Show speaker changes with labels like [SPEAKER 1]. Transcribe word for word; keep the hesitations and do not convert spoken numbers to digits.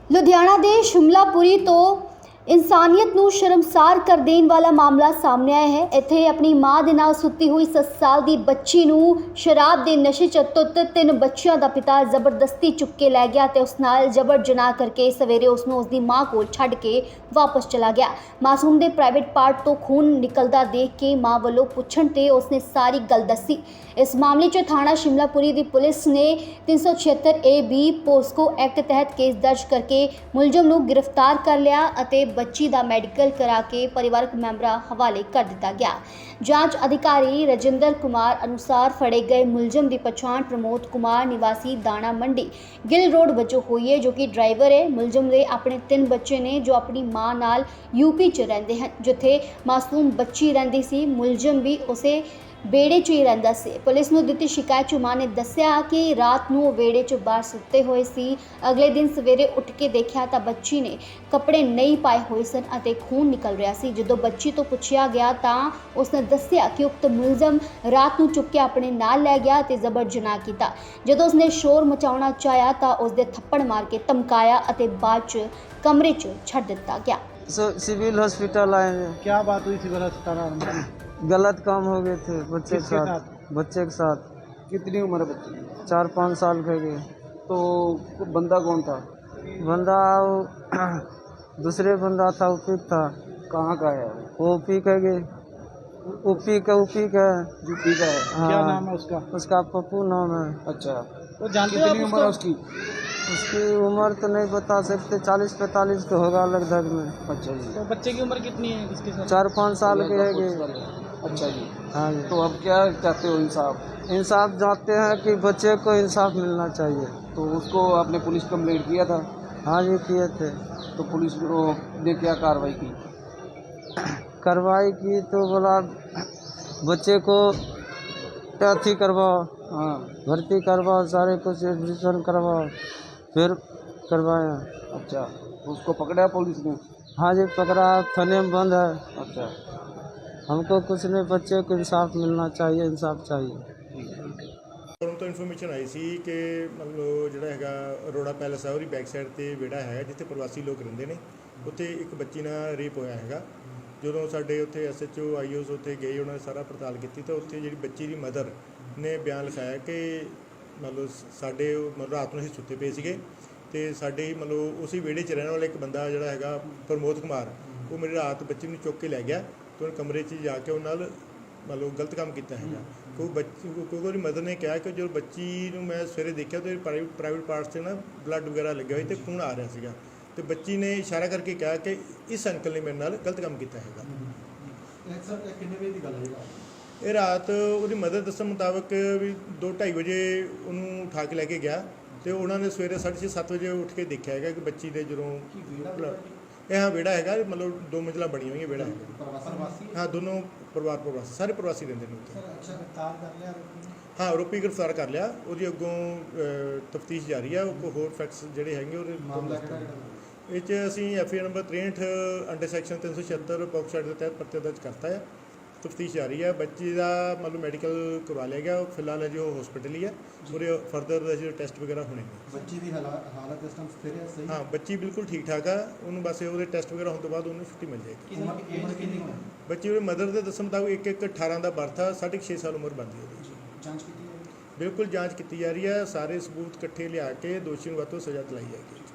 [SPEAKER 1] ਲੁਧਿਆਣਾ ਦੇ ਸ਼ਿਮਲਾਪੁਰੀ ਤੋਂ ਇਨਸਾਨੀਅਤ ਨੂੰ ਸ਼ਰਮਸਾਰ ਕਰ ਦੇਣ ਵਾਲਾ ਮਾਮਲਾ ਸਾਹਮਣੇ ਆਇਆ ਹੈ। ਇੱਥੇ ਆਪਣੀ ਮਾਂ ਦੇ ਨਾਲ ਸੁੱਤੀ ਹੋਈ ਸੱਤ ਸਾਲ ਦੀ ਬੱਚੀ ਨੂੰ ਸ਼ਰਾਬ ਦੇ ਨਸ਼ੇ 'ਚ ਧੁੱਤ ਤਿੰਨ ਬੱਚਿਆਂ ਦਾ ਪਿਤਾ ਜ਼ਬਰਦਸਤੀ ਚੁੱਕ ਕੇ ਲੈ ਗਿਆ ਤੇ ਉਸ ਨਾਲ ਜ਼ਬਰ ਜਨਾਹ ਕਰਕੇ ਸਵੇਰੇ ਉਸ ਨੂੰ ਉਸ ਦੀ ਮਾਂ ਕੋਲ ਛੱਡ ਕੇ ਵਾਪਸ ਚਲਾ ਗਿਆ। ਮਾਸੂਮ ਦੇ ਪ੍ਰਾਈਵੇਟ ਪਾਰਟ ਤੋਂ ਖੂਨ ਨਿਕਲਦਾ ਦੇਖ ਕੇ ਮਾਂ ਵੱਲੋਂ ਪੁੱਛਣ ਤੇ ਉਸਨੇ ਸਾਰੀ ਗੱਲ ਦੱਸੀ। ਇਸ ਮਾਮਲੇ 'ਚ ਥਾਣਾ ਸ਼ਿਮਲਾਪੁਰੀ ਦੀ ਪੁਲਿਸ ਨੇ तीन सौ छिहत्तर ए बी पोस्को एक्ट तहत केस दर्ज करके मुलजम ਨੂੰ गिरफ्तार कर लिया ਅਤੇ ਬੱਚੀ ਦਾ ਮੈਡੀਕਲ ਕਰਾ ਕੇ ਪਰਿਵਾਰਕ ਮੈਂਬਰਾਂ ਹਵਾਲੇ ਕਰ ਦਿੱਤਾ ਗਿਆ। ਜਾਂਚ ਅਧਿਕਾਰੀ ਰਜਿੰਦਰ ਕੁਮਾਰ ਅਨੁਸਾਰ ਫੜੇ ਗਏ ਮੁਲਜ਼ਮ ਦੀ ਪਛਾਣ ਪ੍ਰਮੋਦ ਕੁਮਾਰ ਨਿਵਾਸੀ ਦਾਣਾ ਮੰਡੀ ਗਿੱਲ ਰੋਡ ਵਜੋਂ ਹੋਈ ਹੈ, ਜੋ ਕਿ ਡਰਾਈਵਰ ਹੈ। ਮੁਲਜ਼ਮ ਦੇ ਆਪਣੇ ਤਿੰਨ ਬੱਚੇ ਨੇ ਜੋ ਆਪਣੀ ਮਾਂ ਨਾਲ ਯੂਪੀ 'ਚ ਰਹਿੰਦੇ ਹਨ, ਜਿੱਥੇ ਮਾਸੂਮ ਬੱਚੀ ਰਹਿੰਦੀ ਸੀ। ਮੁਲਜ਼ਮ ਵੀ ਉਸੇ बेड़े च ही रहिंदा सी। पुलिस नूं दित्ती शिकायत च मां ने दस्सिया कि रात नूं बेड़े च बाहर सुत्ते होए सी। अगले दिन सवेरे उठ के देखिया तां बच्ची ने कपड़े नहीं पाए होए सन अते खून निकल रहा सी। जदों बच्ची तो पुछया गया तां उसने दस्सिया कि उक्त मुलजम रात नूं चुक के अपने नाल लै गया ते जबर जनाह कीता। जदों उसने शोर मचाउणा चाहया तां उसदे थप्पड़ मार के धमकाया अते बाद च कमरे च छड्ड दित्ता गया।
[SPEAKER 2] सिविल हॉस्पिटल आए हैं।
[SPEAKER 3] क्या बात हुई सिविल अस्पताल?
[SPEAKER 2] गलत काम हो गए थे बच्चे के साथ,
[SPEAKER 3] साथ
[SPEAKER 2] बच्चे के साथ
[SPEAKER 3] कितनी उम्र है बच्चे की?
[SPEAKER 2] चार पाँच साल के गए।
[SPEAKER 3] तो बंदा कौन था?
[SPEAKER 2] बंदा वो दूसरे बंदा था, ओपी था।
[SPEAKER 3] कहाँ का है?
[SPEAKER 2] ओपी के गए, ओपी का ओपी का
[SPEAKER 3] यूपी का है।
[SPEAKER 2] हाँ।
[SPEAKER 3] क्या नाम है उसका?
[SPEAKER 2] उसका पप्पू नाम है।
[SPEAKER 3] अच्छा, तो जानते हो कितनी उम्र है उसकी?
[SPEAKER 2] उसकी उम्र तो नहीं बता सकते, चालीस पैंतालीस का होगा लगभग में।
[SPEAKER 3] अच्छा जी।
[SPEAKER 4] तो बच्चे की उम्र कितनी है इसके साथ?
[SPEAKER 2] चार पाँच साल के है गए।
[SPEAKER 3] अच्छा जी।
[SPEAKER 2] हाँ जी।
[SPEAKER 3] तो अब क्या चाहते हो इंसाफ?
[SPEAKER 2] इंसाफ चाहते हैं कि बच्चे को इंसाफ मिलना चाहिए।
[SPEAKER 3] तो उसको आपने पुलिस कंप्लेंट किया था?
[SPEAKER 2] हाँ जी किए थे।
[SPEAKER 3] तो पुलिस ने क्या कार्रवाई की?
[SPEAKER 2] कार्रवाई की तो बोला बच्चे को अथी करवाओ,
[SPEAKER 3] हाँ।
[SPEAKER 2] भर्ती करवाओ, सारे कुछ एडमिशन करवाओ, फिर करवाया।
[SPEAKER 3] अच्छा, तो उसको पकड़ा पुलिस ने?
[SPEAKER 2] हाँ जी पकड़ा, थाने में बंद है।
[SPEAKER 3] अच्छा,
[SPEAKER 2] हमको कुछ नहीं, बच्चे को इंसाफ मिलना चाहिए, इंसाफ चाहिए।
[SPEAKER 5] ਤੁਹਾਨੂੰ ਤੋਂ ਇਨਫੋਰਮੇਸ਼ਨ ਆਈ ਸੀ ਕਿ ਮਤਲਬ ਜਿਹੜਾ ਹੈਗਾ ਅਰੋੜਾ ਪੈਲਸ ਹੈ ਉਹਦੀ ਬੈਕ ਸਾਈਡ 'ਤੇ ਵਿਹੜਾ ਹੈ ਜਿੱਥੇ ਪ੍ਰਵਾਸੀ ਲੋਕ ਰਹਿੰਦੇ ਨੇ। ਉੱਥੇ ਇੱਕ ਬੱਚੀ ਨਾਲ ਰੇਪ ਹੋਇਆ ਹੈਗਾ। ਜਦੋਂ ਸਾਡੇ ਉੱਥੇ ਐਸ ਐਚ ਓ ਆਈ ਓਸ ਉੱਥੇ ਗਏ, ਉਹਨਾਂ ਨੇ ਸਾਰਾ ਪੜਤਾਲ ਕੀਤੀ ਤਾਂ ਉੱਥੇ ਜਿਹੜੀ ਬੱਚੀ ਦੀ ਮਦਰ ਨੇ ਬਿਆਨ ਲਿਖਾਇਆ ਕਿ ਮਤਲਬ ਸਾਡੇ ਮਤਲਬ ਰਾਤ ਨੂੰ ਅਸੀਂ ਸੁੱਤੇ ਪਏ ਸੀਗੇ ਅਤੇ ਸਾਡੇ ਮਤਲਬ ਉਸੇ ਵਿਹੜੇ 'ਚ ਰਹਿਣ ਵਾਲਾ ਇੱਕ ਬੰਦਾ ਜਿਹੜਾ ਹੈਗਾ ਪ੍ਰਮੋਦ ਕੁਮਾਰ, ਉਹ ਮੇਰੀ ਰਾਤ ਬੱਚੀ ਨੂੰ ਚੁੱਕ ਕੇ ਲੈ ਗਿਆ ਅਤੇ ਉਹਨੇ ਕਮਰੇ 'ਚ ਜਾ ਕੇ ਉਹਨਾਂ ਨਾਲ ਮਤਲਬ ਗਲਤ ਕੰਮ ਕੀਤਾ ਹੈਗਾ। ਕਿਉਂਕਿ ਬੱਚੀ ਕਿਉਂਕਿ ਉਹਦੀ ਮਦਰ ਨੇ ਕਿਹਾ ਕਿ ਜਦੋਂ ਬੱਚੀ ਨੂੰ ਮੈਂ ਸਵੇਰੇ ਦੇਖਿਆ ਤਾਂ ਪ੍ਰਾਈਵੇਟ ਪ੍ਰਾਈਵੇਟ ਪਾਰਟਸ 'ਤੇ ਨਾ ਬਲੱਡ ਵਗੈਰਾ ਲੱਗਿਆ ਹੋਇਆ ਅਤੇ ਖੂਨ ਆ ਰਿਹਾ ਸੀਗਾ ਅਤੇ ਬੱਚੀ ਨੇ ਇਸ਼ਾਰਾ ਕਰਕੇ ਕਿਹਾ ਕਿ ਇਸ ਅੰਕਲ ਨੇ ਮੇਰੇ ਨਾਲ ਗਲਤ ਕੰਮ ਕੀਤਾ ਹੈਗਾ।
[SPEAKER 3] ਕਿੰਨੇ ਵਜੇ ਦੀ ਗੱਲ ਹੈ?
[SPEAKER 5] ਇਹ ਰਾਤ ਉਹਦੀ ਮਦਰ ਦੱਸਣ ਮੁਤਾਬਕ ਵੀ ਦੋ ਢਾਈ ਵਜੇ ਉਹਨੂੰ ਉਠਾ ਕੇ ਲੈ ਕੇ ਗਿਆ ਅਤੇ ਉਹਨਾਂ ਨੇ ਸਵੇਰੇ ਸਾਢੇ ਛੇ ਸੱਤ ਵਜੇ ਉੱਠ ਕੇ ਦੇਖਿਆ ਹੈਗਾ ਕਿ ਬੱਚੀ ਦੇ ਜਦੋਂ ਇਹ ਹਾਂ ਵਿਹੜਾ ਹੈਗਾ, ਮਤਲਬ ਦੋ ਮੰਜ਼ਿਲਾਂ ਬਣੀਆਂ ਹੋਈਆਂ ਵਿਹੜਾ ਹੈਗਾ। ਹਾਂ ਦੋਨੋਂ ਪਰਿਵਾਰ ਪ੍ਰਵਾਸੀ, ਸਾਰੇ ਪ੍ਰਵਾਸੀ ਰਹਿੰਦੇ ਨੇ ਉੱਥੇ। ਹਾਂ ਆਰੋਪੀ ਗ੍ਰਿਫਤਾਰ ਕਰ ਲਿਆ, ਉਹਦੀ ਅੱਗੋਂ ਤਫਤੀਸ਼ ਜਾਰੀ ਆ। ਉਹ ਹੋਰ ਫੈਕਟਸ ਜਿਹੜੇ ਹੈਗੇ ਉਹਦੇ ਇਹ 'ਚ ਅਸੀਂ ਐਫ ਆਈ ਆਰ ਨੰਬਰ ਤ੍ਰੇਹਠ ਅੰਡਰ ਸੈਕਸ਼ਨ ਤਿੰਨ ਸੌ ਛਿਹੱਤਰ ਪੋਕਸੋ ਐਕਟ ਦੇ ਤਹਿਤ ਪਰਚਾ ਦਰਜ ਕਰਤਾ ਹੈ। ਤਫਤੀਸ਼ ਜਾਰੀ ਹੈ। ਬੱਚੀ ਦਾ ਮਤਲਬ ਮੈਡੀਕਲ ਕਰਵਾ ਲਿਆ ਗਿਆ, ਫਿਲਹਾਲ ਅਜੇ ਉਹ ਹਸਪੀਟਲ ਹੀ ਹੈ। ਉਹਦੇ ਫਰਦਰ ਅਜੇ ਟੈਸਟ ਵਗੈਰਾ ਹੋਣੇ ਨੇ।
[SPEAKER 3] ਬੱਚੀ ਦੀ ਹਾਲਤ ਇਸ ਟਾਈਮ ਸਥਿਰ ਹੈ? ਸਹੀ।
[SPEAKER 5] ਹਾਂ ਬੱਚੀ ਬਿਲਕੁਲ ਠੀਕ ਠਾਕ ਆ। ਉਹਨੂੰ ਬਸ ਉਹਦੇ ਟੈਸਟ ਵਗੈਰਾ ਹੋਣ ਤੋਂ ਬਾਅਦ ਉਹਨੂੰ ਛੁੱਟੀ ਮਿਲ ਜਾਏਗੀ।
[SPEAKER 3] ਉਮਰ ਕਿੰਨੀ ਹੈ
[SPEAKER 5] ਬੱਚੀ ਉਹਦੇ ਮਦਰ ਦੇ ਦੱਸਣ ਮੁਤਾਬਕ ਇੱਕ ਇੱਕ ਅਠਾਰਾਂ ਦਾ ਬਰਥ ਆ, ਸਾਢੇ ਛੇ ਸਾਲ ਉਮਰ ਬਣਦੀ ਹੈ ਉਹਦੀ।
[SPEAKER 3] ਜਾਂਚ ਕੀਤੀ ਹੈ?
[SPEAKER 5] ਬਿਲਕੁਲ ਜਾਂਚ ਕੀਤੀ ਜਾ ਰਹੀ ਹੈ। ਸਾਰੇ ਸਬੂਤ ਇਕੱਠੇ ਲਿਆ ਕੇ ਦੋਸ਼ੀ ਨੂੰ ਵੱਧ ਤੋਂ ਸਜ਼ਾ ਦਿਲਾਈ ਜਾਏਗੀ।